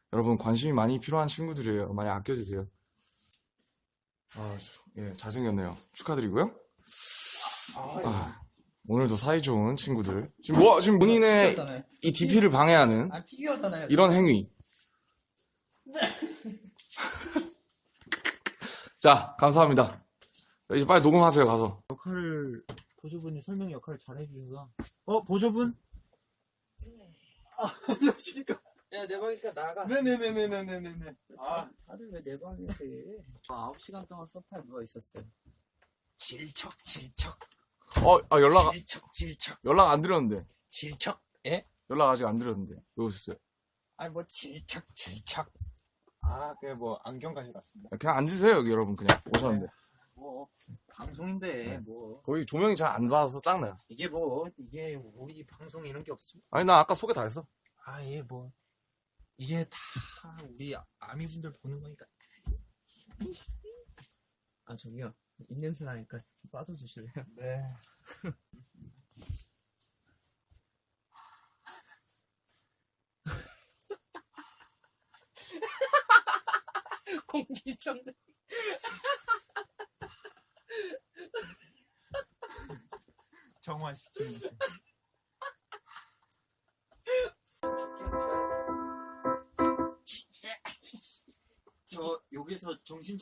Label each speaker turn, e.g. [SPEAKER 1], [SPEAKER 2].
[SPEAKER 1] 여러분 관심이 많이 필요한 친구들이에요. 많이 아껴주세요. 예, 잘생겼네요. 축하드리고요. 오늘도 사이좋은 친구들. 지금 본인의
[SPEAKER 2] 피규어잖아요.
[SPEAKER 1] 이 DP를 방해하는
[SPEAKER 2] 피규어잖아요.
[SPEAKER 1] 이런 행위. 자, 감사합니다. 이제 빨리 녹음하세요, 가서.
[SPEAKER 3] 역할을 보조분이 설명 역할을 잘 해주셔서 보조분? 안녕하십니까.
[SPEAKER 2] 야, 내 방이니까 나가.
[SPEAKER 3] 네네네네네네네.
[SPEAKER 2] 다들 왜 내 방에서 해? 9시간 동안 소파에 누워 있었어요.
[SPEAKER 3] 질척
[SPEAKER 1] 연락 안 드렸는데.
[SPEAKER 3] 질척 예?
[SPEAKER 1] 연락 아직 안 드렸는데. 왜 오셨어요?
[SPEAKER 3] 뭐 질척 그게 뭐 안경 가지고 왔습니다.
[SPEAKER 1] 그냥 앉으세요, 여기 여러분. 그냥 오셨는데.
[SPEAKER 3] 뭐 방송인데 뭐
[SPEAKER 1] 거기 조명이 잘 안 받아서 짱나요.
[SPEAKER 3] 이게 우리 방송 이런 게 없습니다.
[SPEAKER 1] 아니, 나 아까 소개 다 했어.
[SPEAKER 3] 이게 다 우리 아미분들 보는 거니까.
[SPEAKER 2] 저기요. 입냄새 나니까 빠져주실래요?
[SPEAKER 3] 네.
[SPEAKER 2] 공기청정.
[SPEAKER 3] 정화시키는. 저 여기서 정신